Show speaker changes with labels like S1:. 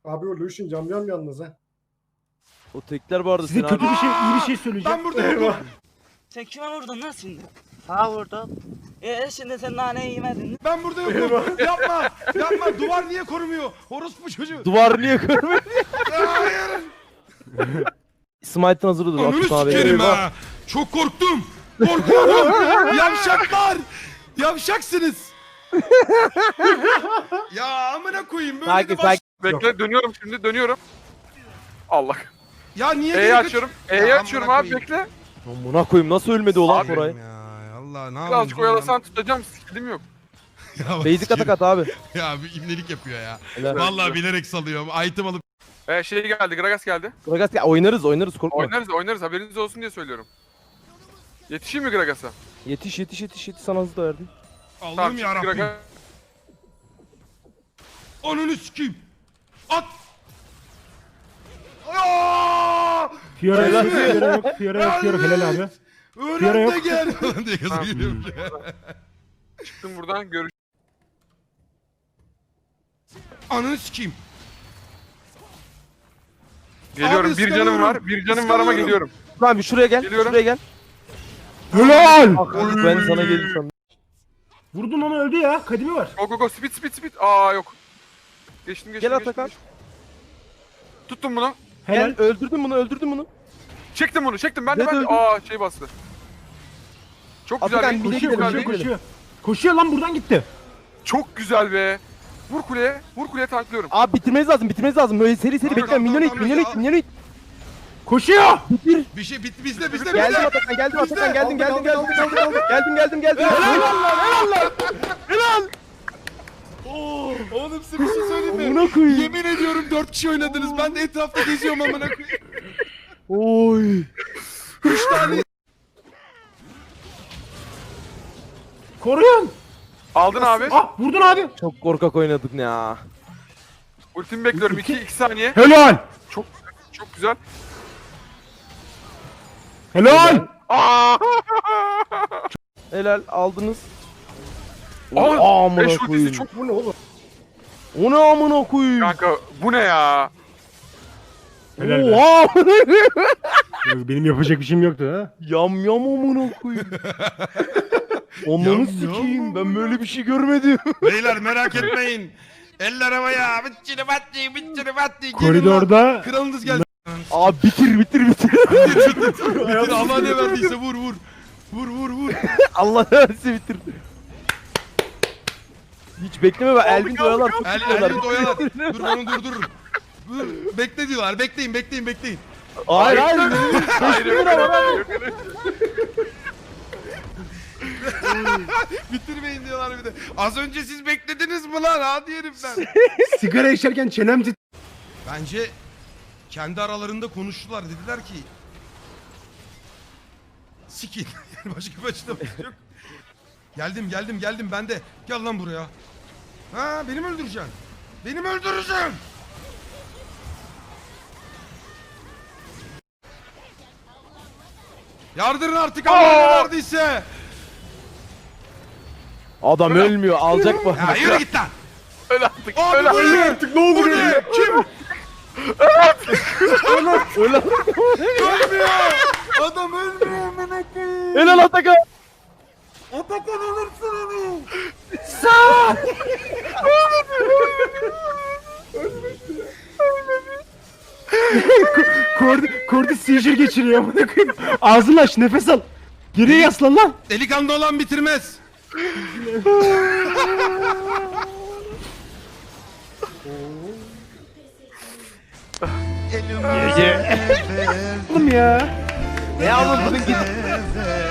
S1: Abi o Lucian cam yalnız ha.
S2: O tekler vardı
S3: Size
S2: senin
S3: kötü
S2: abi.
S3: bir şey, iyi bir şey söyleyeceğim.
S4: Ben buradayım.
S5: Sen kime vurdun lan şimdi?
S6: Ha vurdum.
S5: Şimdi sen naneyi yemedin mi?
S4: Ben burada yokum. Yapma. Yapma. Duvar niye korumuyor? Orospu çocuğu.
S2: Duvar niye görmüyor?
S4: Hayır.
S2: Smite'ın hazır dur.
S4: Ananı
S2: Akut abi.
S4: sikerim ha. Çok korktum. Korkuyorum. Yavşaklar. Yavşaksınız. Ya amına koyayım böyle
S2: Sakin
S4: de baş...
S2: sakin.
S7: Bekle dönüyorum şimdi dönüyorum. Allah.
S4: Ya niye
S7: E'yi
S4: geri
S7: açıyorum. E'yi
S4: Ya
S7: açıyorum
S4: amına
S7: abi
S4: koyayım.
S7: bekle.
S2: Buna koyayım nasıl ölmedi o lan
S7: Abi.
S2: Koray?
S4: Ya Allah ne
S7: Birazcık
S4: yapayım?
S7: oyalasan tutacağım. Skillim yok.
S4: Ya bak,
S2: Basic atak at abi.
S4: Ya bir ibnelik yapıyor ya.
S2: Helal.
S4: Vallahi bilerek salıyor. Item alıp
S7: Şey geldi. Gragas geldi.
S2: Gragas ya oynarız korkma.
S7: Oynarız haberiniz olsun diye söylüyorum. Yetişeyim mi Gragas'a?
S2: Yetiş sana hızlı da verdim.
S4: Allah'ım
S7: çık
S4: yarabbim.
S7: Gragas.
S4: Ananı sikeyim. At. Aaaa!
S3: Fiora
S2: Helal.
S3: yok, Fiora yok, helal abi. Fiora
S4: Öğren
S3: yok.
S4: de gel. diye kız
S7: Tamam.
S4: geliyor.
S7: Çıktım buradan görüş.
S4: Ananı sikeyim.
S7: Geliyorum.
S4: Abi
S7: Bir canım
S4: ıskanıyorum.
S7: var. Bir canım var ama
S4: Iskanıyorum.
S7: geliyorum.
S2: Lan bir şuraya gel.
S7: Geliyorum.
S2: Şuraya gel.
S3: Helal!
S2: Ben sana gelir sandım.
S3: Vurdun onu öldü ya. Kadimi var.
S7: Go. Speed. Aa yok. Geçtim.
S2: Gel Atakan.
S7: Tuttum bunu.
S3: Helal.
S2: Gel öldürdün bunu.
S7: Çektim bunu. Ben de.
S2: Öldü.
S7: Şey bastı. Çok
S2: Atakan,
S7: güzel.
S2: bir de
S3: Koşuyor,
S2: gidelim,
S3: koşuyor,
S2: bir de
S3: koşuyor. Koşuyor lan buradan gitti.
S7: Çok güzel be. Vur kuleye tanklıyorum.
S2: Abi bitirmeniz lazım. Böyle seri
S4: Tamam,
S2: bekle.
S4: tamam,
S2: Minyon
S4: tamam,
S2: it.
S3: Koşuyor.
S2: Bitir.
S4: Bir şey bitti bizde.
S2: Geldim Atakan geldim. Helal.
S4: Oğlum size bir şey söyleyeyim mi?
S2: Amına koyayım.
S4: Yemin ediyorum 4 kişi oynadınız. Ben de etrafta geziyorum amına koyayım.
S2: Oy.
S4: 3 tane.
S3: Koruyun.
S7: Aldın abi.
S3: Ah vurdun abi.
S2: Çok korkak oynadık ya.
S7: Ultimi bekliyorum. 2 saniye.
S3: Helal.
S7: Çok güzel.
S3: Helal.
S2: Helal aldınız.
S7: Aa,
S2: Amına
S7: 5
S2: koyayım.
S7: ultisi çok.
S1: Bu ne oğlum?
S2: O ne amına koyayım?
S7: Kanka bu ne ya?
S3: Helal be.
S2: Oha.
S3: Benim yapacak bir şeyim yoktu ha.
S2: Yam amına koyayım. Onları
S4: Yam
S2: sikeyim. Ben
S4: amına.
S2: böyle bir şey görmedim.
S4: Beyler merak etmeyin. Eller havaya. Bıçını battı.
S3: Koridorda
S4: Kralınız geldi.
S2: Abi bitir.
S4: Bitir Allah ne verdiyse vur. Vur.
S2: Allah versin bitir. Hiç bekleme be. Elvin doyalar. Çok tutuyorlar.
S4: Elini doyalar. Dur onu dur. Dur. Bekle diyorlar. Bekleyin.
S2: Hayır.
S7: Hayır, yok öyle.
S4: Bitirmeyin diyorlar bir de. Az önce siz beklediniz mi lan? Hadi herifler.
S3: sigara içerken çenem
S4: Bence kendi aralarında konuştular. Dediler ki sikin. Yani başka bir açıklaması yok. Geldim ben de. Gel lan buraya. Ha beni mi öldüreceksin? Yardırın artık Allah ne verdiyse.
S2: Adam ölmüyor. Alacak mı?
S4: Ya yürü git lan.
S7: Öyle artık.
S4: Abi
S7: Öyle
S4: bu
S7: artık.
S4: ne?
S1: Artık ne olur
S4: Bu ne? Kim? Ölmüyor. Adam ölmüyor amına koyayım.
S2: Helal Atakan.
S4: Atakan alırsın onu.
S3: Kordi seizure geçiriyor amına koyayım. Ağzını aç, nefes al. Geriye yaslan lan.
S4: Delikanlı olan bitirmez.
S3: Oğlum ya.
S2: Ne yapalım bugün git.